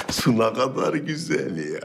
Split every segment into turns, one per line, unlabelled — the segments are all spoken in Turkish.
Su ne kadar güzel ya.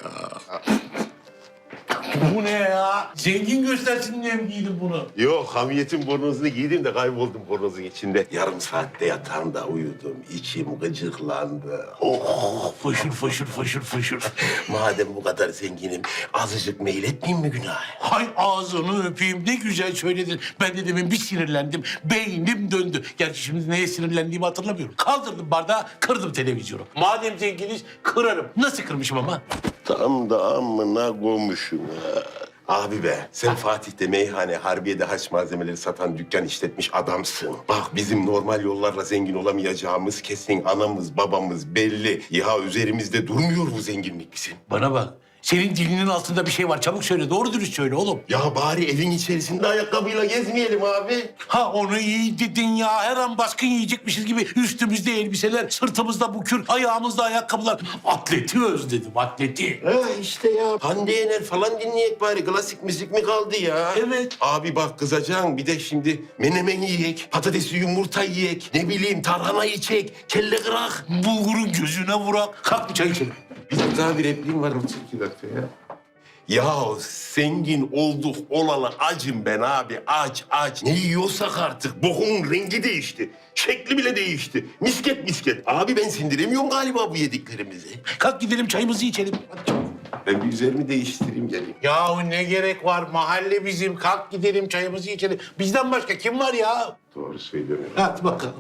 Bu ne ya? Zengin göstersin diye mi giydin bunu?
Yok, hamiyetin bornozunu giydim de kayboldum bornozun içinde. Yarım saatte yatağımda uyudum. İçim gıcıklandı. Oh,
Fışır fışır fışır fışır.
madem bu kadar zenginim, azıcık meyletmeyeyim mi günah?
Hay ağzını öpeyim, ne güzel söyledin. Ben de demin bir sinirlendim, beynim döndü. Gerçi şimdi neye sinirlendiğimi hatırlamıyorum. Kaldırdım bardağı, kırdım televizyonu. Madem zenginiz, kırarım. Nasıl kırmışım ama?
Tam da amına koymuşum ha. Abi be, sen Fatih'te meyhane, Harbiye'de haç malzemeleri satan dükkan işletmiş adamsın. Bak bizim normal yollarla zengin olamayacağımız kesin, anamız babamız belli. Ya üzerimizde durmuyor bu zenginlik bizim.
Bana bak, senin dilinin altında bir şey var. Çabuk söyle, doğru dürüst söyle oğlum.
Ya bari evin içerisinde ayakkabıyla gezmeyelim abi.
Ha onu iyi dedin ya. Her an baskın yiyecekmişiz gibi üstümüzde elbiseler, sırtımızda bukür, ayağımızda ayakkabılar. Atleti özledim, atleti.
Ha işte ya. Hande Yener falan dinleyek bari. Klasik müzik mi kaldı ya?
Evet.
Abi bak kızacaksın. Bir de şimdi menemen yiyek, patatesli yumurta yiyek, ne bileyim tarhana yiyecek, kelle kırak.
Bulgurun gözüne vurak. Kalk bir çay içelim.
Bizim daha bir repliğim var. 32 dakika ya. Ya zengin olduk olalı acım ben abi. Aç. Ne yiyorsak artık. Bokumun rengi değişti. Şekli bile değişti. Misket misket. Abi ben sindiremiyorum galiba bu yediklerimizi.
Kalk gidelim çayımızı içelim. Hadi çabuk.
Ben bir üzerimi değiştireyim geleyim.
Yahu ne gerek var? Mahalle bizim. Kalk gidelim çayımızı içelim. Bizden başka kim var ya?
Doğru söylüyorum.
Hadi bakalım.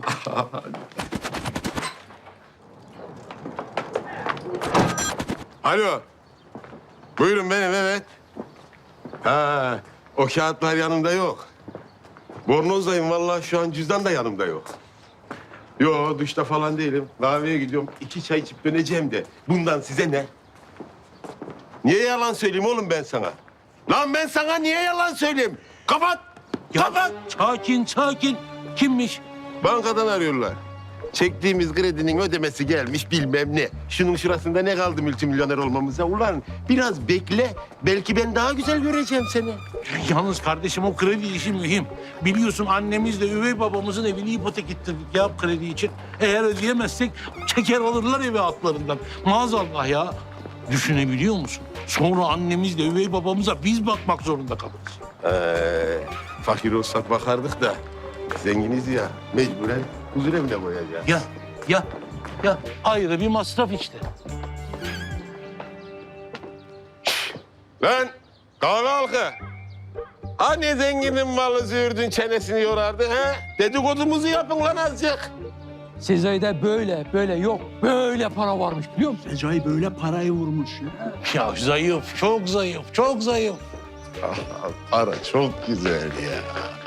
Alo. Buyurun benim, evet. Ha, o kağıtlar yanımda yok. Bornozdayım vallahi, şu an cüzdan da yanımda yok. Yo, duşta falan değilim. Kahveye gidiyorum. 2 çay içip döneceğim de. Bundan size ne? Niye yalan söyleyeyim oğlum ben sana? Lan ben sana niye yalan söyleyeyim? Kapat! Kapat!
Sakin. Kimmiş?
Bankadan arıyorlar. Çektiğimiz kredinin ödemesi gelmiş bilmem ne. Şunun şurasında ne kaldı multimilyoner olmamıza? Ulan biraz bekle. Belki ben daha güzel göreceğim seni.
Yalnız kardeşim o kredi işi mühim. Biliyorsun annemizle üvey babamızın evini ipotek ettirdik ya kredi için. Eğer ödeyemezsek çeker alırlar evi altlarından. Maazallah ya. Düşünebiliyor musun? Sonra annemizle üvey babamıza biz bakmak zorunda kalırız.
Fakir olsak bakardık da zenginiz ya, mecburen huzur evine koyacağız.
Ya ayrı bir masraf işte.
Lan kahve halkı. Hani zenginin malı züğürdün çenesini yorardı ha? Dedikodumuzu yapın lan azıcık.
Sezai'de böyle yok. Böyle para varmış biliyor musun?
Recai böyle parayı vurmuş ya.
Ya zayıf, çok zayıf.
Para çok güzel ya.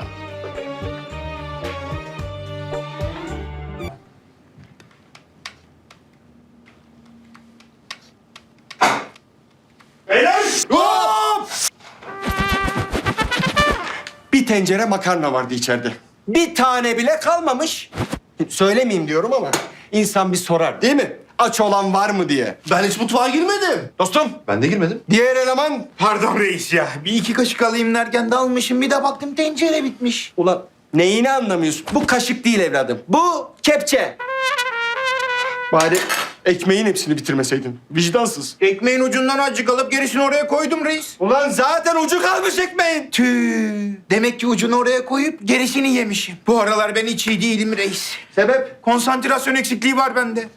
Bir tencere makarna vardı içeride. Bir tane bile kalmamış. Söylemeyeyim diyorum ama insan bir sorar değil mi? Aç olan var mı diye.
Ben hiç mutfağa girmedim.
Dostum,
Ben de girmedim.
diğer eleman...
Pardon reis ya. Bir iki kaşık alayım derken dalmışım. Bir de baktım tencere bitmiş.
Ulan neyini anlamıyorsun? Bu kaşık değil evladım. Bu kepçe. Bari ekmeğin hepsini bitirmeseydin. Vicdansız.
Ekmeğin ucundan azıcık alıp gerisini oraya koydum reis.
Ulan zaten ucu kalmış ekmeğin.
Tüh. Demek ki ucunu oraya koyup gerisini yemişim. Bu aralar ben hiç iyi değilim reis.
Sebep?
Konsantrasyon eksikliği var bende.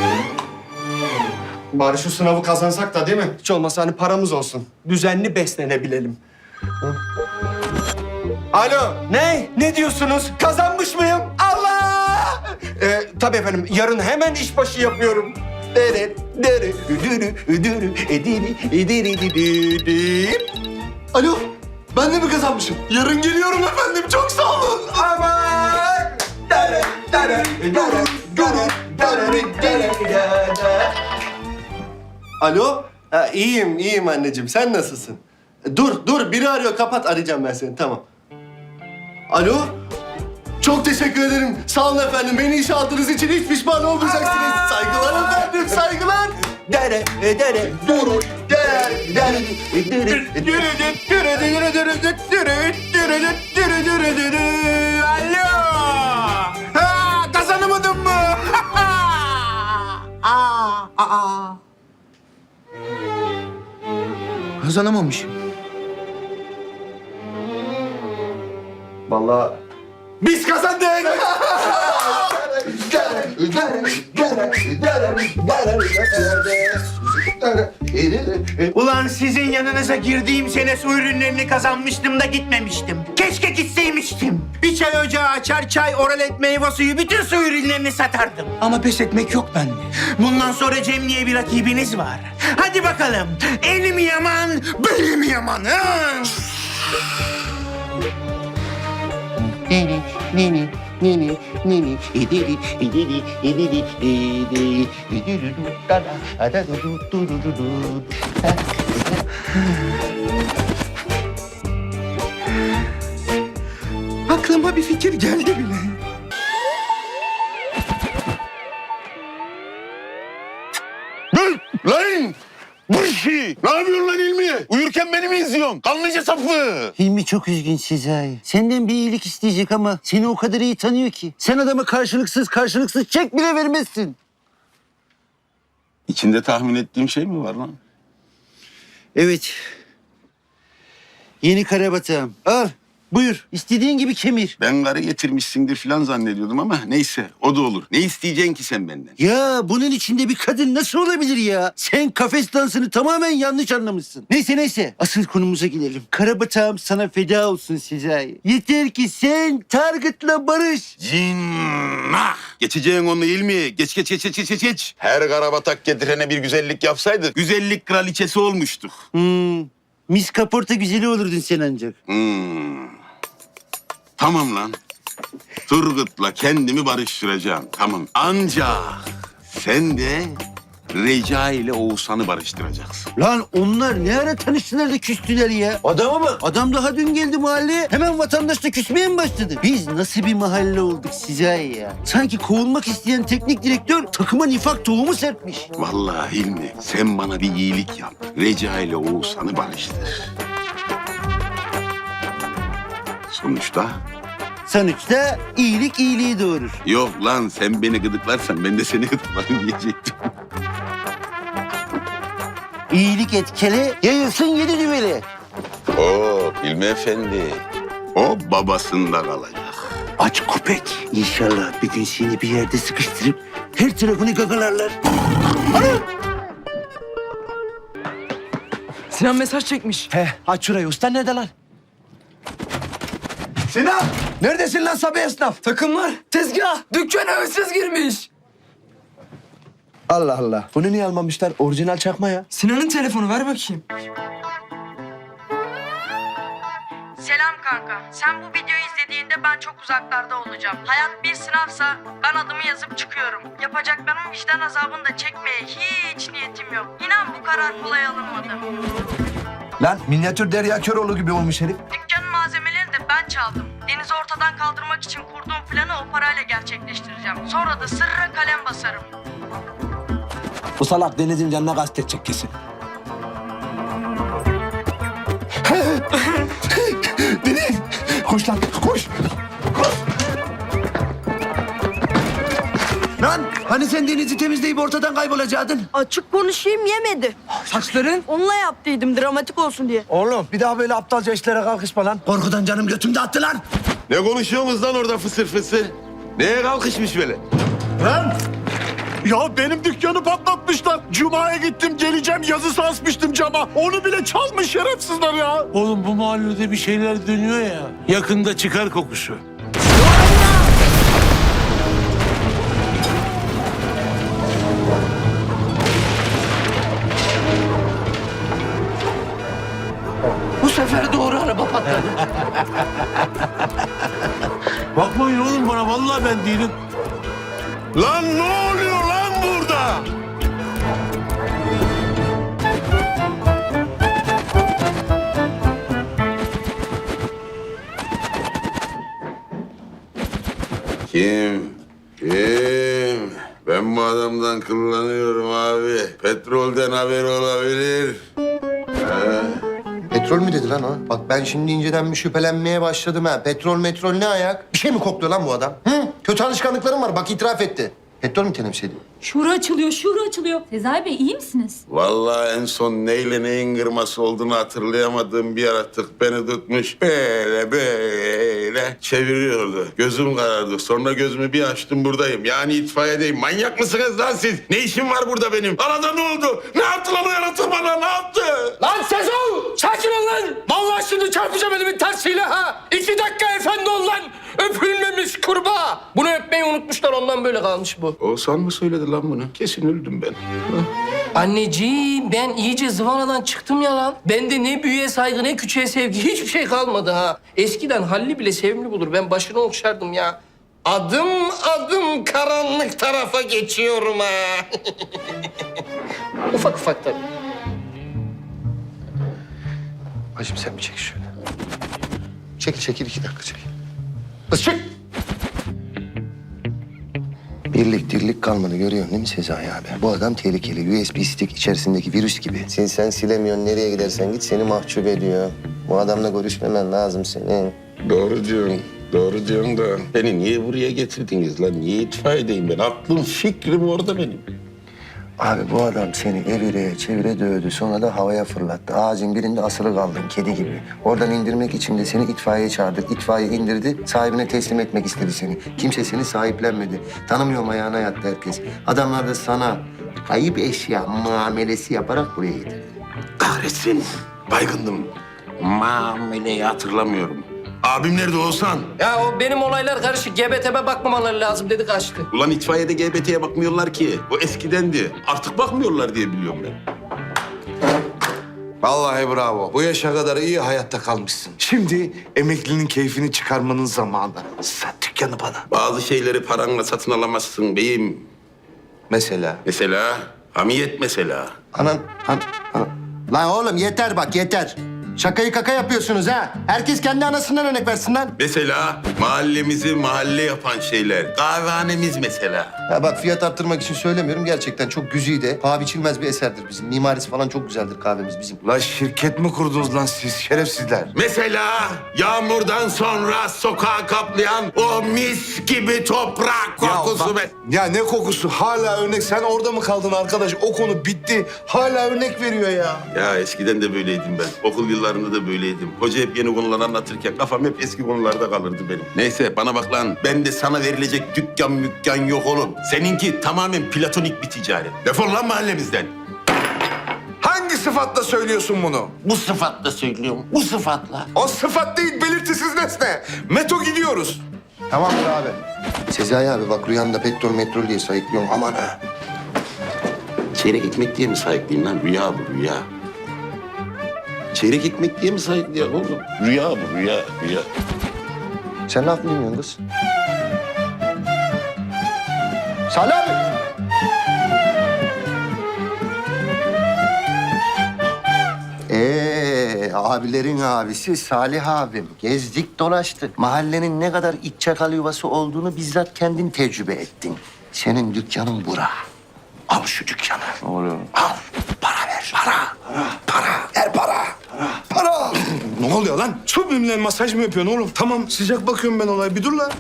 Bari şu sınavı kazansak da değil mi? Hiç olmazsa hani paramız olsun. Düzenli beslenebilelim. Hı? Alo, ne? Ne diyorsunuz? Kazanmış mıyım? Allah! Tabii efendim, yarın hemen işbaşı yapıyorum.
Alo. Ben de mi kazanmışım? Yarın geliyorum efendim. Çok sağ olun.
Aman! Alo? Ha, iyiyim anneciğim. Sen nasılsın? Dur. Biri arıyor. Kapat. Arayacağım ben seni. Tamam. Alo? Çok teşekkür ederim. Sağ olun efendim. Beni işe aldığınız için hiç pişman olmayacaksınız. Saygılar efendim. Saygılar.
Alo. Ha, kazanamadın mı? Aa. Kazanamamışım.
Vallahi biz kazandık.
Ulan sizin yanınıza girdiğim sene su ürünlerini kazanmıştım da gitmemiştim. Keşke gitseymiştim. Bir çay ocağı açar, çay, oralet, meyve suyu, bütün su ürünlerini satardım. Ama pes etmek yok bende. Bundan sonra Cem diye bir rakibiniz var. Hadi bakalım. Elim yaman, belim yaman. Ha? Aklıma bir fikir geldi bile.
Lan! Bu işi! Ne yapıyorsun lan İlmi? Uyurken beni mi izliyorsun? Kanlıca sapı!
Hilmi çok üzgün Sezai. Senden bir iyilik isteyecek ama seni o kadar iyi tanıyor ki. Sen adama karşılıksız çek bile vermezsin.
İçinde tahmin ettiğim şey mi var lan?
Evet. Yeni karabatağım. Al. Buyur. İstediğin gibi kemir.
Ben karı getirmişsindir falan zannediyordum ama neyse o da olur. Ne isteyeceksin ki sen benden?
Ya bunun içinde bir kadın nasıl olabilir ya? Sen kafes dansını tamamen yanlış anlamışsın. Neyse. Asıl konumuza gelelim. Karabatağım sana feda olsun Sezai. Yeter ki sen Target'la barış.
Cinnah! Geçeceğin onu İlmi. Geç. Her karabatak getirene bir güzellik yapsaydık güzellik kraliçesi olmuştuk.
Miss Kaporta güzeli olurdun sen ancak.
Tamam lan. Turgut'la kendimi barıştıracağım. Tamam. Ancak sen de Reca ile Oğuzhan'ı barıştıracaksın.
Lan onlar ne ara tanıştılar da küstüler ya? Adama bak. Adam daha dün geldi mahalleye. Hemen vatandaşla küsmeye mi başladı? Biz nasıl bir mahalle olduk size ya? Sanki kovulmak isteyen teknik direktör takıma nifak tohumu serpmiş.
Vallahi Hilmi sen bana bir iyilik yap. Reca ile Oğuzhan'ı barıştır.
Sonuçta iyilik iyiliği doğurur.
Yok lan sen beni gıdıklarsan ben de seni gıdıklarım diyecektim.
İyilik etkili, yayılsın yedi düveli.
Oo Hilmi Efendi. O babasında kalacak.
Aç köpek. İnşallah bir gün seni bir yerde sıkıştırıp her tarafını gagalarlar.
Sinan mesaj çekmiş.
Aç şurayı. Usta nerede lan?
Sinan!
Neredesin lan Sabi esnaf?
Takımlar, tezgah, dükkana hırsız girmiş.
Allah Allah. Bunu niye almamışlar? Orijinal çakma ya.
Sinan'ın telefonu ver bakayım.
Selam kanka. Sen bu videoyu izlediğinde ben çok uzaklarda olacağım. Hayat bir sınavsa ben adımı yazıp çıkıyorum. Yapacaklarımın vicdan azabını da çekmeye hiç niyetim yok. İnan bu karar kolay alınmadı.
Lan minyatür Derya Köroğlu gibi olmuş herif.
Dükkanın malzemelerini de ben çaldım. Deniz'i ortadan kaldırmak için kurduğum planı o parayla gerçekleştireceğim. Sonra da sırra kalem basarım.
Bu salak Deniz'in canına kastetecek kesin. Deniz! Koş lan, koş! Lan hani sen Deniz'i temizleyip ortadan kaybolacaktın?
Açık konuşayım yemedi.
Saçların?
Onunla yaptıydım dramatik olsun diye.
Oğlum bir daha böyle aptalca işlere kalkışma lan. Korkudan canım götümde attı lan.
Ne konuşuyorsunuz lan orada fısır fısır? Neye kalkışmış böyle?
Lan! Ya benim dükkanı patlatmışlar. Cuma'ya gittim geleceğim yazısı asmıştım cama. Onu bile çalmış şerefsizler ya.
Oğlum bu mahallede bir şeyler dönüyor ya. Yakında çıkar kokusu.
Bu sefer doğru araba patladı.
Bakmayın oğlum bana vallahi ben değilim.
Lan ne oluyor lan burada? Kim? Ben bu adamdan kullanıyorum abi. Petrolden haber olabilir.
Petrol mü dedi lan o? Bak ben şimdi inceden bir şüphelenmeye başladım ha. Petrol metrol ne ayak? Bir şey mi kokluyor lan bu adam? Hı? Kötü alışkanlıklarım var bak itiraf etti. Petrol mü teneffüs
Şura açılıyor, şura açılıyor. Sezai Bey iyi misiniz?
Vallahi en son neyle neyin kırması olduğunu hatırlayamadığım bir yaratık beni tutmuş. Böyle çeviriyordu. Gözüm karardı. Sonra gözümü bir açtım buradayım. Yani itfaiyedeyim. Manyak mısınız lan siz? Ne işim var burada benim? Arada ne oldu? Ne yaptı lan o yaratık bana? Ne yaptı?
Lan Sezo! Sakin ol lan! Vallahi şimdi çarpacağım elimin tersiyle ha! 2 dakika efendi ol lan! Öpülmemiş kurbağa! Bunu öpmeyi unutmuşlar, ondan böyle kalmış bu.
Oğuzhan mı söyledi lan bunu? Kesin öldüm ben.
Anneciğim, ben iyice zıvanadan çıktım ya lan. Bende ne büyüğe saygı ne küçüğe sevgi, hiçbir şey kalmadı ha. Eskiden Halli bile sevimli bulur, ben başını okşardım ya. Adım adım karanlık tarafa geçiyorum ha. Ufak ufak tabii.
Hacım sen bir çek şöyle. Çekil 2 dakika çekil. Kız çık! Birlik dirlik kalmadı görüyorsun değil mi Sezai abi? Bu adam tehlikeli. USB stick içerisindeki virüs gibi. Sen silemiyorsun, nereye gidersen git seni mahcup ediyor. Bu adamla görüşmemen lazım senin.
Doğru diyorsun. Doğru diyorsun da beni niye buraya getirdiniz lan? Niye itfaiyedeyim ben? Aklım fikrim orada benim.
Abi bu adam seni evire çevire dövdü. Sonra da havaya fırlattı. Ağacın birinde asılı kaldın kedi gibi. Oradan indirmek için de seni itfaiyeye çağırdık. İtfaiye indirdi. Sahibine teslim etmek istedi seni. Kimse seni sahiplenmedi. Tanımıyorum ayağına yattı herkes. Adamlar da sana kayıp eşya muamelesi yaparak buraya getirdi.
Kahretsin. Baygındım. Muameleyi hatırlamıyorum. Abim nerede Oğuzhan?
Ya o benim olaylar karışık. GBT'me bakmamaları lazım dedi, kaçtı.
Ulan itfaiyede GBT'ye bakmıyorlar ki. O eskidendi. Artık bakmıyorlar diye biliyorum ben.
Vallahi bravo. Bu yaşa kadar iyi hayatta kalmışsın. Şimdi emeklinin keyfini çıkarmanın zamanı. Sat dükkanı bana.
Bazı şeyleri paranla satın alamazsın beyim.
Mesela?
Mesela hamiyet mesela.
Anan. Lan oğlum yeter bak yeter. Şakayı kaka yapıyorsunuz ha. Herkes kendi anasından örnek versin lan.
Mesela mahallemizi mahalle yapan şeyler. Kahvehanemiz mesela.
Ya bak fiyat arttırmak için söylemiyorum. Gerçekten çok güzide, paha biçilmez bir eserdir bizim. Mimarisi falan çok güzeldir kahvemiz bizim.
La şirket mi kurdunuz lan siz şerefsizler?
Mesela yağmurdan sonra sokağı kaplayan o mis gibi toprak kokusu.
Ya ne kokusu? Hala örnek. Sen orada mı kaldın arkadaş? O konu bitti. Hala örnek veriyor ya.
Ya eskiden de böyleydim ben. Okul yıllarında da böyleydim. Hoca hep yeni konular anlatırken kafam hep eski konularda kalırdı benim. Neyse bana bak lan. Ben de sana verilecek dükkan yok oğlum. Seninki tamamen platonik bir ticaret. Defol lan mahallemizden.
Hangi sıfatla söylüyorsun bunu?
Bu sıfatla söylüyorum. Bu sıfatla.
O sıfat değil, belirtisiz nesne. Meto gidiyoruz.
Tamamdır abi. Sezai abi bak rüyanda petrol diye sayıklıyorum. Aman ha.
Çeyrek ekmek diye mi sayıklayayım lan? Rüya bu rüya. Çeyrek ekmek diye mi sayıklayayım oğlum? Rüya bu rüya.
Sen laf mı dinliyorsun kız? Salih abi. Abilerin abisi Salih abim. Gezdik dolaştık. Mahallenin ne kadar iç çakal yuvası olduğunu bizzat kendin tecrübe ettin. Senin dükkanın bura. Al şu dükkanı. Ne oluyor? Al. Para ver. Para. Ver para. Para.
Ne oluyor lan? Sublimle masaj mı yapıyorsun oğlum? Tamam, sıcak bakıyorum ben olaya. Bir dur lan.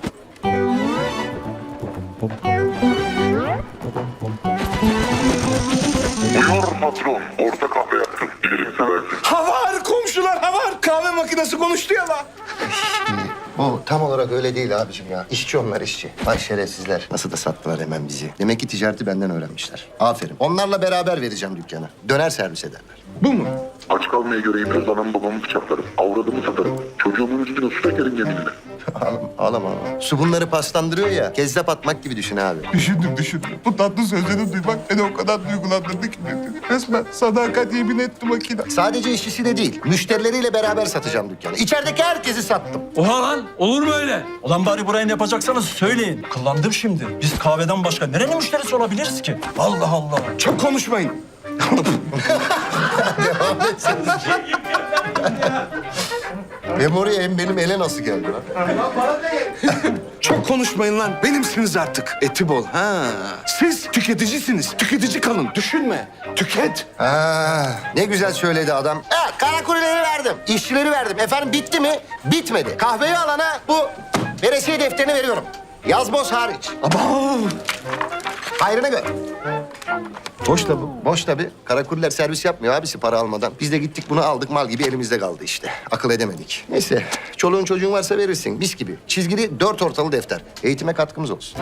Buyur patron. Orta kahve yaptım. Gerekse versin.
Havar komşular havar. Kahve makinesi konuştu ya lan.
O tam olarak öyle değil abicim ya. İşçi onlar işçi. Vay şerefsizler. Nasıl da sattılar hemen bizi. Demek ki ticareti benden öğrenmişler. Aferin. Onlarla beraber vereceğim dükkanı. Döner servis ederler.
Bu mu?
Aç kalmaya göreyim biraz anam babamı bıçaklarım. Avradımı satarım. Çocuğumun yüzüne su dökerim yeminle.
Ağlama. Su bunları paslandırıyor ya. Kezzap atmak gibi düşün abi.
Düşündüm. Bu tatlı sözleri duymak beni o kadar duygulandırdı ki. Resmen sadakat yemin etti makine.
Sadece işçisi de değil. Müşterileriyle beraber satacağım dükkanı. İçerideki herkesi sattım.
Oha lan, olur mu öyle?
Ulan bari burayı ne yapacaksanız söyleyin. Kıllandım şimdi. Biz kahveden başka nerenin müşterisi olabiliriz ki? Allah Allah.
Çok konuşmayın.
Devam etseniz. Hem oraya hem benim ele nasıl geldi lan?
Çok konuşmayın lan. Benimsiniz artık. Eti bol. Ha. Siz tüketicisiniz. Tüketici kalın. Düşünme. Tüket.
Ne güzel söyledi adam. Kara kuleleri verdim. İşçileri verdim. Efendim bitti mi? Bitmedi. Kahveyi alana bu veresiye defterini veriyorum. Yazboz hariç. Hayrına gör. Boş tabi, boş tabi. Karakuller servis yapmıyor abisi para almadan. Biz de gittik bunu aldık, mal gibi elimizde kaldı işte. Akıl edemedik. Neyse, çoluğun çocuğun varsa verirsin, mis gibi. Çizgili 4 ortalı defter. Eğitime katkımız olsun.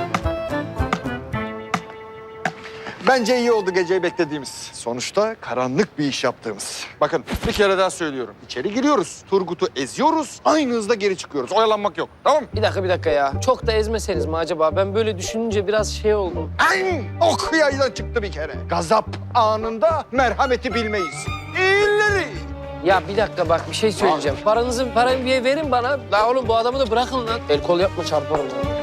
Bence iyi oldu geceyi beklediğimiz. Sonuçta karanlık bir iş yaptığımız. Bakın bir kere daha söylüyorum. İçeri giriyoruz, Turgut'u eziyoruz, aynı hızda geri çıkıyoruz. Oyalanmak yok, tamam mı?
Bir dakika ya. Çok da ezmeseniz mi acaba? Ben böyle düşününce biraz şey oldum.
Ay, ok yaydan çıktı bir kere. Gazap anında merhameti bilmeyiz. İyileri.
Ya bir dakika bak bir şey söyleyeceğim. Parayı bir verin bana. La oğlum bu adamı da bırakın lan. El kol yapma çarparım lan.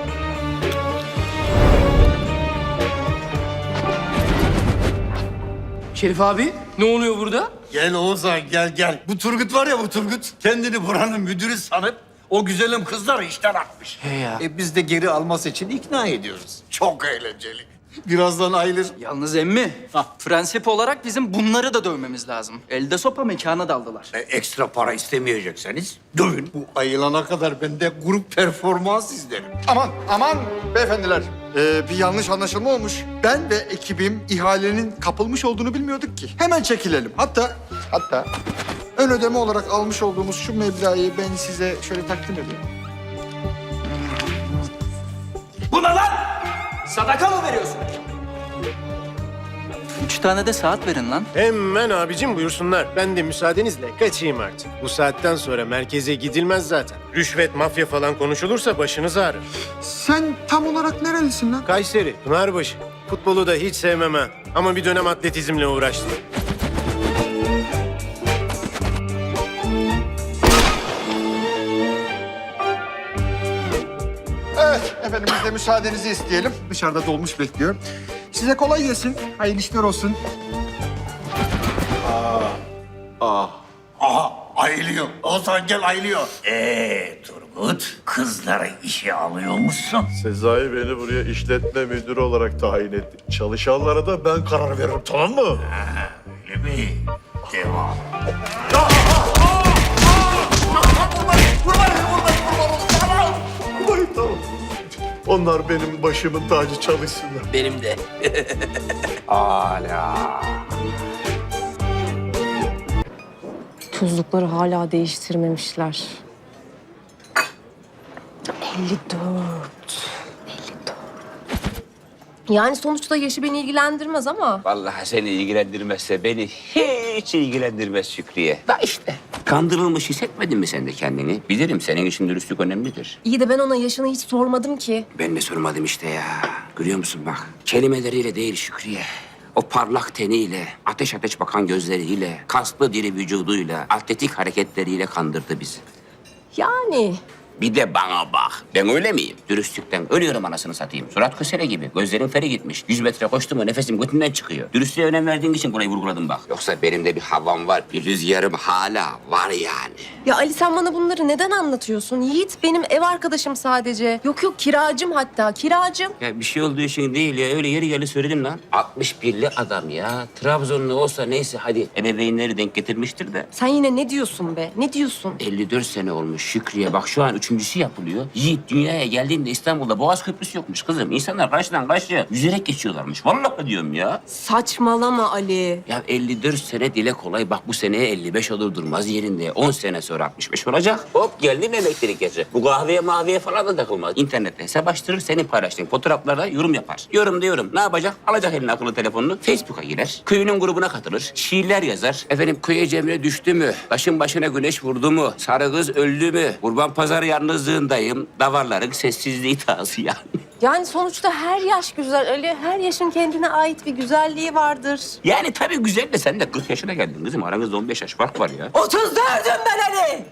Şerif abi ne oluyor burada?
Gel Oğuzhan gel. Bu Turgut var ya bu Turgut. Kendini buranın müdürü sanıp o güzelim kızları işten atmış.
He ya.
Biz de geri alması için ikna ediyoruz. Çok eğlenceli. Birazdan ayılır.
Yalnız emmi, prensip olarak bizim bunları da dövmemiz lazım. Elde sopa mekana daldılar.
Ekstra para istemeyecekseniz dövün. Bu ayılana kadar ben de grup performans izlerim.
Aman beyefendiler. Bir yanlış anlaşılma olmuş. Ben ve ekibim ihalenin kapılmış olduğunu bilmiyorduk ki. Hemen çekilelim. Hatta ön ödeme olarak almış olduğumuz şu meblağı ben size şöyle takdim edeyim.
Buna lan! Sadaka mı veriyorsun? 3 tane de saat verin lan.
Hemen abicim buyursunlar. Ben de müsaadenizle kaçayım artık. Bu saatten sonra merkeze gidilmez zaten. Rüşvet, mafya falan konuşulursa başınız ağrır.
Sen tam olarak nerelisin lan?
Kayseri, Pınarbaşı. Futbolu da hiç sevmem ha. Ama bir dönem atletizmle uğraştım.
Evet efendim biz de müsaadenizi isteyelim. Dışarıda dolmuş bekliyor. Size kolay gelsin. Hayırlı işler olsun.
Aha ayılıyor. Oğuzhan gel ayılıyor. Turgut kızları işe alıyor musun?
Sezai beni buraya işletme müdürü olarak tayin etti. Çalışanlara da ben karar veririm, tamam mı?
Öyle mi? Devam.
Tamam. Onlar benim başımın tacı, çalışsınlar.
Benim de.
Tuzlukları hala değiştirmemişler. 54. Yani sonuçta yaşı beni ilgilendirmez ama.
Vallahi seni ilgilendirmezse beni hiç ilgilendirmez Şükriye. Da işte. Kandırılmış hissetmedin mi sen de kendini? Bilirim senin için dürüstlük önemlidir.
İyi de ben ona yaşını hiç sormadım ki.
Ben de sormadım işte ya. Görüyor musun bak. Kelimeleriyle değil Şükriye. O parlak teniyle, ateş ateş bakan gözleriyle, kaslı diri vücuduyla, atletik hareketleriyle kandırdı bizi.
Yani.
Bir de bana bak. Ben öyle miyim? Dürüstlükten ölüyorum anasını satayım. Surat kösele gibi. Gözlerim feri gitmiş. 100 metre koştum mu nefesim götümden çıkıyor. Dürüstlüğe önem verdiğin için burayı vurguladım bak. Yoksa benim de bir havam var. Bir rüzgarım hala var yani.
Ya Ali sen bana bunları neden anlatıyorsun? Yiğit benim ev arkadaşım sadece. Yok kiracım hatta kiracım.
Ya bir şey olduğu için değil ya. Öyle yeri geldi söyledim lan. 61'li adam ya. Trabzonlu olsa neyse hadi. Ebeveynleri denk getirmiştir de.
Sen yine ne diyorsun be? Ne diyorsun?
54 sene olmuş Şükriye. Bak şu an 3.'sü yapılıyor. Yiğit dünyaya geldiğinde İstanbul'da Boğaz Köprüsü yokmuş kızım. İnsanlar karşıdan karşıya yüzerek geçiyorlarmış. Vallahi diyorum ya.
Saçmalama Ali.
Ya 54 sene dile kolay. Bak bu seneye 55 olur durmaz yerinde. 10 sene sonra 65 olacak. Hop geldi mi elektrik yaşı. Bu kahveye mahveye falan da takılmaz. İnternette hesap açtırır, senin paylaştığın fotoğraflarda yorum yapar. Yorum diyorum. Ne yapacak? Alacak eline akıllı telefonunu. Facebook'a girer. Köyünün grubuna katılır. Şiirler yazar. Efendim köye cemre düştü mü? Taşın başına güneş vurdu mu? Sarı kız öldü mü? Kurban pazarı yalnızlığındayım. Davarların sessizliği tazı yani.
Yani sonuçta her yaş güzel Ali. Her yaşın kendine ait bir güzelliği vardır.
Yani tabii güzel de sen de 40 yaşına geldin kızım. Aranızda 15 yaş fark var ya.
34'üm ben Ali.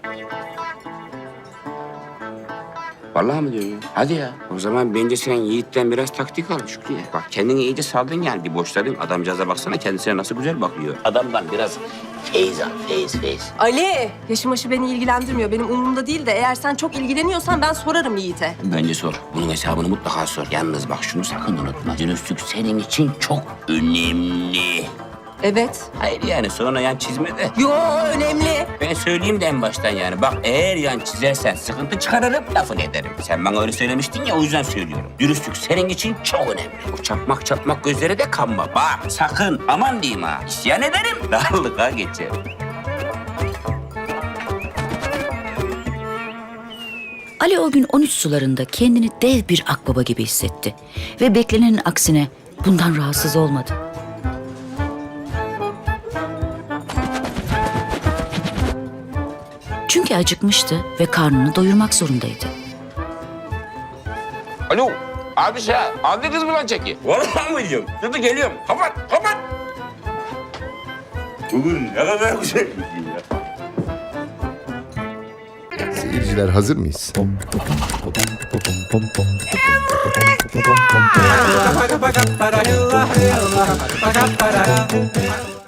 Vallahi mi diyorsun ya? Hadi ya. O zaman bence sen Yiğit'ten biraz taktik al Şükrü'ye. Bak kendini iyice saldın yani. Bir boşladın. Adamcağıza baksana kendisine nasıl güzel bakıyor. Adamdan biraz feyiz al. Feyiz.
Ali, yaşım aşı beni ilgilendirmiyor. Benim umurumda değil de eğer sen çok ilgileniyorsan ben sorarım Yiğit'e.
Bence sor. Bunun hesabını mutlaka sor. Yalnız bak şunu sakın unutma. Dürüstlük senin için çok önemli.
Evet.
Hayır yani sonra yan çizme de.
Yo önemli.
Ben söyleyeyim de en baştan yani. Bak eğer yan çizersen sıkıntı çıkarırım, lafını ederim. Sen bana öyle söylemiştin ya, o yüzden söylüyorum. Dürüstlük senin için çok önemli. O çapmak gözlere de kanma. Bak sakın, aman diyeyim ha. İsyan ederim, darlığa geçer.
Ali o gün 13 sularında kendini dev bir akbaba gibi hissetti. Ve beklenenin aksine bundan rahatsız olmadı. Çünkü acıkmıştı ve karnını doyurmak zorundaydı.
Alo, abi sen, aldı kız mı lan çeki? Vallahi mı diyorum? Dur geliyorum, kapat. Bugün ne kadar güzel bir gün ya.
Seyirciler hazır mıyız?